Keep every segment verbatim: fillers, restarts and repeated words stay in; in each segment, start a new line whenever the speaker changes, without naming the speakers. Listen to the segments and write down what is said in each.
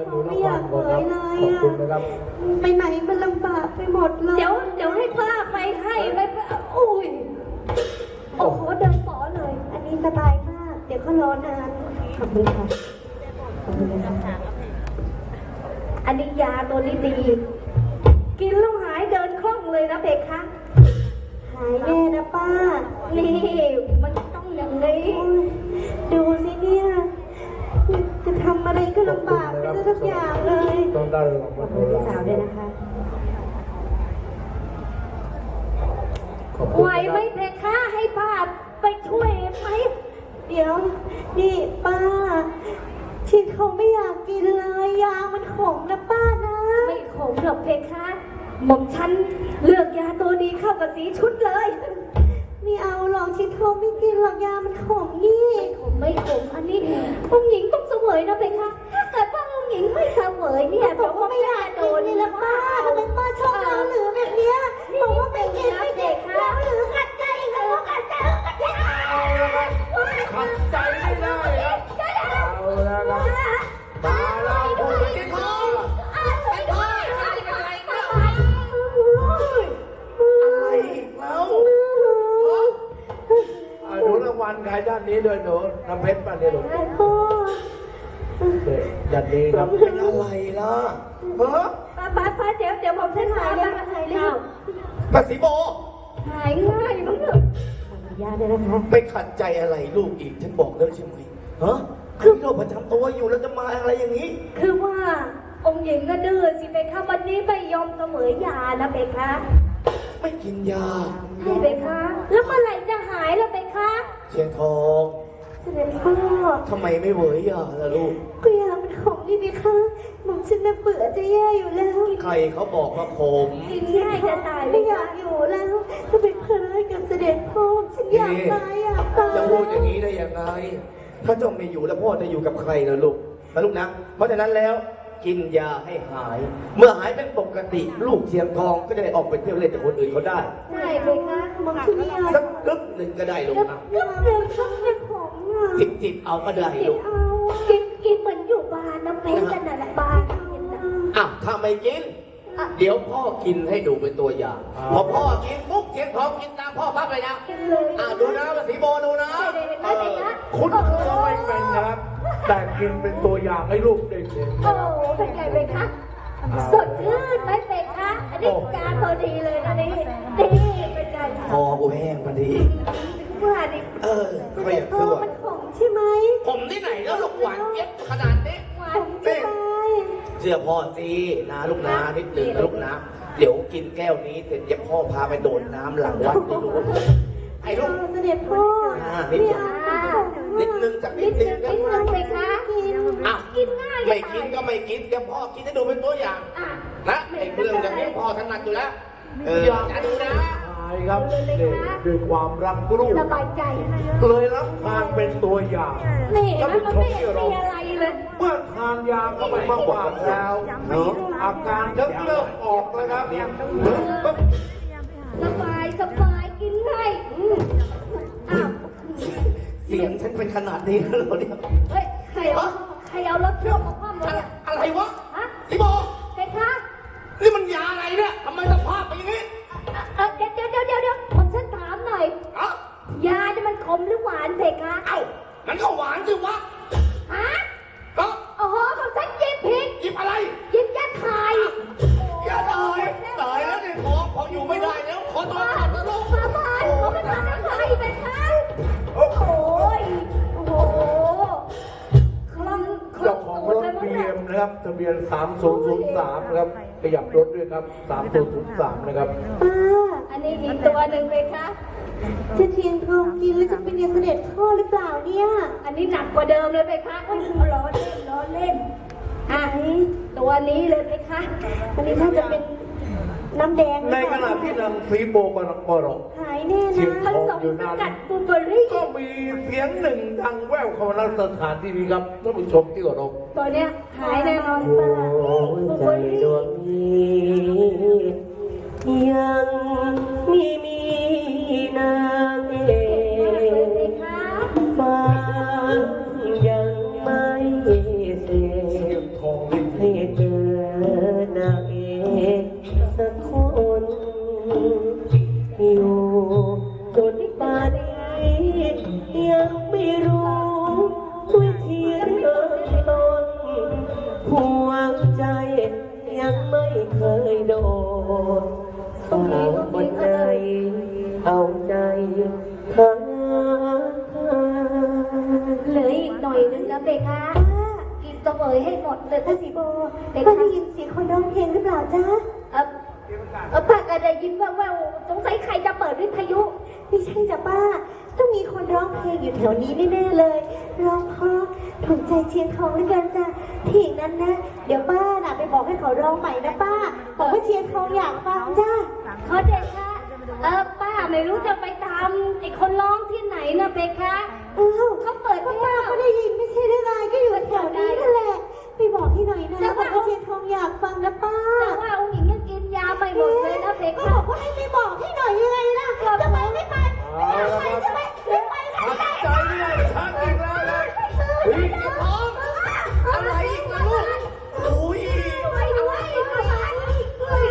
ไม่อยากเผยเลยอ่ะไปไหนมันลำบากไปหมดเลย
เดี๋ยวเดี๋ยวให้ป้าไปให้ไปอุ้ยโอ้โหเดินป๋อเลย
อันนี้สบายมากเดี๋ยวเขารอนานขอบคุณค่ะขอบคุณค่ะ
อันนี้ยาตัวนี้ดีกินแล้วหายเดินคล่องเลยนะเด็กคะ
หายแน่นะป้า
นี่มันต้องอย่างนี้
ดูสิเนี่ยจะทำอะไรก็ลำบากไปทุกอย่างเลย
ต้องได้รางวัล
พี่สาวด้วยนะคะ
ไหวไหมเพคะให้ป้าไปช่วยไหม
เดี๋ยวนี่ป้าที่เขาไม่อยากกินเลยยามันขมนะป้านะ
ไม่ขมหรอกเพคะหม่อมฉันเลือกยาตัวดีเข้ากับสีชุดเลย
ไม่เอาหรอกชิดเขาไม่กินหรอกยามันขมนี่
ขมไม่ขมอันนี้องค์หญิงต้องเสวยนะเพคะถ้าเกิดว่าองค์หญิงไม่เสวยเนี่ย
บอกว่าไม่อยากโดนนี่ละป้าทำไมป้าชอบเราหรือแบบเนี้ยบอกว่าไม่กินไม่เด็กเราหรือขัดใจเราขัดใจขัดใจ
ขัดใจไม่ได้ครับเอาละครับมาเราพูดกันต่ออะไรแล้วหนูรางวัลใครด้านนี้ด้วยหนูน้ำเพชรป่ะเนี่ยหนูด้านนี้ครับเป็นอะไรล่ะเฮ้อ
ป้าป้าป้าเดี๋ยวเดี๋ยวผมเส้นหายเลยหายแล้ว
ป้าสีโบ
หายง่ายมั้งเถอะ
ยาเลยนะคะ
ไม่ขัดใจอะไรลูกอีกฉันบอกแล้วใช่ไหมฮะคือโรคประจำตัวอยู่แล้วจะมาอะไรอย่างนี้
คือว่าองค์หญิงก็ดื้อสิเบคะวันนี้ไม่ยอมเสมอยานะเบคะ
ไม่กินยา
ให้เบคะแล้วเมื่อไหร่จะหายล่ะเบคะ
เชียงทอง
เสด็จพ่อ
ทำไมไม่เหวยยาล่ะลูก
ก็ยามันขมนี่เบคะหม่อมฉันน่ะเบื่อจะแย่อยู่แล้ว
ใครเขาบอกว่าขม
กินง่ายจะตาย
ไม่อยากอยู่แล้วจะเป็นภาระกับเสด็จพ่อฉันอยากตายอยากตาย
จะพูดอย่างนี้ได้ยังไงถ้าเจ้าไม่อยู่แล้วพ่อจะอยู่กับใครล่ะลูกนะลูกนะเพราะฉะนั้นแล้วกินยาให้หายเมื่อหายเป็นปกติลูกเชียงทองก็จะได้ออกไปเที่ยวเล่นกับคนอื่นเขาได้
ใช่ไหมคะ
หม่อมฉันอยาก
สักกึ๊บหนึ่งก็ได้ลูกนะ
กึ๊บหนึ่งสักเรื่องของอ่ะ
จิบจิบเอาก็ได้ลูก
กินกินเหมือนอยู่บ้านน้ำเพชรกันน่ะบ้าน
อ่ะถ้าไม่กินเดี๋ยวพ่อกินให้ดูเป็นตัวอย่างพอพ่อกินปุ๊บเชียงทองกินตามพ่อปั๊บเลยนะอ่ะดูนะภาษีโบดูนะ
คุณ
ก็ไม่เป็นนะครับแต่กินเป็นตัวอย่างให้ลูกได้เห็น
โอ้เป็นไงเป็นคะสดชื่นไหมเป็นคะอันนี้การพอดีเลยนะนี่นี่เป็นไง
คอกูแห้งพอดี
ว่าดิ
เออไม่อยากซื้อ
มันขมใช่ไหม
ผมที่ไหนแล้วลูกหวานเย็บขนาดนี้
หวานใช่ไหม
เชื่อพ่อสินะลูกนะนิดหนึ่งนะลูกนะเดี๋ยวกินแก้วนี้เสร็จเดี๋ยวพ่อพาไปโดดน้ำหลังวัดนี่ลูกไอ้ลูก
เสด็จพ่อ
นิดนึงนิดนึงจากนิดนึง
นิดนึงไปคะ
อ่ะกินง่ายไม่กินก็ไม่กินเดี๋ยวพ่อกินให้ดูเป็นตัวอย่างนะไอ้เรื่องอย่างนี้พ่อถนัดอยู่แล้วเอออย่าดูนะใช่ครับด้วยความรักลูก
สบายใจ
เลยรับทานเป็นตัวอย่าง
นี่มันไม่มีอะไรเลย
เมื่อทานยาเข้าไปมากๆแล้วอาการเริ่มออกเลยครับ
สบายสบายกินง่ายอ้าว
เสียงฉันเป็นขนาดนี้แล้วเหรอเนี่ย
เฮ้ยใครเอาใครเอารถเชื่อมมาคว่ำเลย
อะไรวะ
ฮะ
พี่โบ
ใครคะ
นี่มันยาอะไรเนี่ยทำไมสภาพเป็นอย่างนี้
เดี๋ยวเดี๋ยวเดี๋ยวเดี๋ยวผมฉันถามหน่อยยาเนี่ยมันขมหรือหวานเพคะ
เอ้ามันก็หวานสิวะ
ฮะ
ก็
โอ้โหผมฉันหยิบผิด
หยิบอะไร
หยิบยาถ่าย
ยาถ่ายตายแล้วเนี่ยขอขออยู่ไม่ได้แล้วขอตัวกลับแล้วลูก
มาบ้านเขาไม่ทำอะไรเพคะโอ้โหโอ้โหคล่อง
เจ้าของรถบีเอ็มนะครับทะเบียนสามศูนย์ศูนย์สามนะครับขยับรถด้วยครับสามศูนย์ศูนย์สามนะครับ
ป้า
อันนี้อีกตัวหนึ่งเลยคะ
จะเทียนทองกินแล้วจะเป็นเสด็จพ่อหรือเปล่าเนี่ย
อันนี้หนักกว่าเดิมเลยไปคะโอ้ยล้อเล่นล้อเล่นอ่ะตัวนี้เลยไปคะ
อันนี้ถ้าจะเป็นน้ำแดง
ในขณะที่นางฟีโบกำลังปรก
หายแน่นะ
ผสมสกัดบูเบอรี่
ก็มีเสียงหนึ่งดังแว่วเข้ามาในสถานที่นี้ครับท่านผู้ชมที่เคารพ
ตัวเนี้ยหายแน่นอนป้า
ใจดวงนี้ยังมีมีนางเอกฟ้ายังไม่เสียทองแท
ให้เจอนางเอกสักคนอยู่จนป่านนี้ยังไม่รู้วิธีเริ่มต้นหัวใจยังไม่เคยโดนสาวคนไหนเอาใจเธอ
เหลืออีกหน่อยนึงนะเบคะกินตัวเอ๋ยให้หมดเลย
พระ
นะ
ศรี
สิ
โบ
เบ
ป้า
คะ
ได้ยินเสียงคนร้องเพลงหรือเปล่าจ๊ะ
เออเออป้าก็ได้ยินว่าว่าสงสัยใครจะเปิดวิทยุ
ไม่ใช่จ้ะป้า ต้องมีคนร้องเพลงอยู่แถวนี้แน่ๆเลย ร้องเพราะถูกใจเชียงทองด้วยกันจ้ะที่อย่างนั้นนะ เดี๋ยวป้าน่ะไปบอกให้เขาร้องใหม่นะป้า บอกว่าเชียงทองอยากฟังจ้ะ
ขอเดชะเออป้าไม่รู้จะไปตามไอ้คนร้องที่ไหนนะเบคะ
อ้าว
เขาเปิด
ก็
ไม่
ป้า
ได้
ก็ได้ยินไม่ใช่ได้ไงก็อยู่แถวนี้นั่นแหละ ไปบอกที่หน่อยนะบอกว่าเชียงทองอยากฟังนะป้า
แต่ว่าองค์หญิงยังกินยาไม่หมดเลยนะเบ
ก็
คะ
บอกว่าให้ไปบอกที่หน่อยยังไงล่ะทำไมไม่ไปไม่ไปใช่ไหมไม่ไปค่ะ
ชักใจไม่ได้ชักอีกแล้วนะเฮ้ยเจ็บท้องอะไรอีกล่ะลูกโอ้ย
ไปด้วยไปด้วย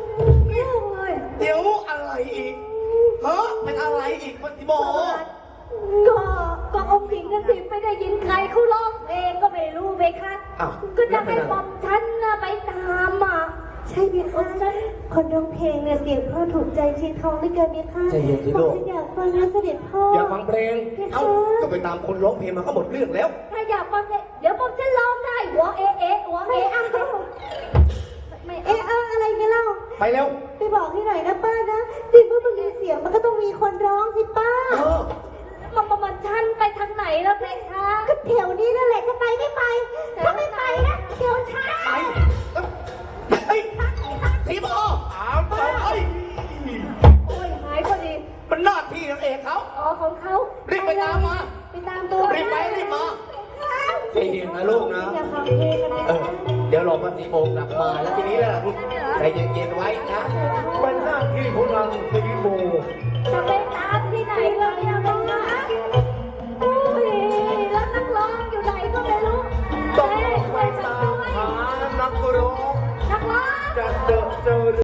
เดี๋ยวอะไรอีกฮะเป็นอะไรอีกปฏิบอก
ก็ก็องค์หญิงนั่นสิไม่ได้ยินใครเขาร้องเพลงก็ไม่รู้เบคะ
อ้าว
ก็จะให้บอมฉันน่ะไปตามอ่ะ
ใช่ไหมคะคนร้องเพลงเนี่ยเสียงพ่อถูกใจเชียงทองด้วยกันไหมคะ
ใจเย็นสิลูก
ผมอยากฟังนะเสด็จพ่อ
อยากฟังเพลง เอ้าก็ไปตามคนร้องเพลงมาก็หมดเรื่องแล้ว
ถ้าอยากฟังเนี่ยเดี๋ยวผมจะร้องได้หัวเอะเอะหัว
ไม่
เอะ
เอา
ไม่
เอ๊ะ
เอะ
เอาอะไรกันเล่า
ไปเร็ว
ไปบอกที่ไหนนะป้านะดิเมื่อมันมีเสียงมันก็ต้องมีคนร้องสิป้า
เออ
มันประมาณฉันไปทางไหนแล้วเพคะ
ก็แถวนี้นั่นแหละจะไปไม่ไปถ้าไม่ไปนะเดี๋ยวช้า
ไปเฮ้ยทีบอถามไป
โอ้ยหายพอดี
มันหน้าที่นางเอกเขา
อ๋อของเขา
รีบไปตามมา
ไปตามตัว
รีบไปรีบมาใจเย็นนะลูกนะ
อย่าฟังเพลงกันนะ
เออ เดี๋ยวรอพระศรีโบกลับมาแล้วทีนี้แหละใจเย็นๆไว้นะเป็นหน้าที่ของนางศรีโบ
จะไปตามที่ไหนเราเนี่ยแม่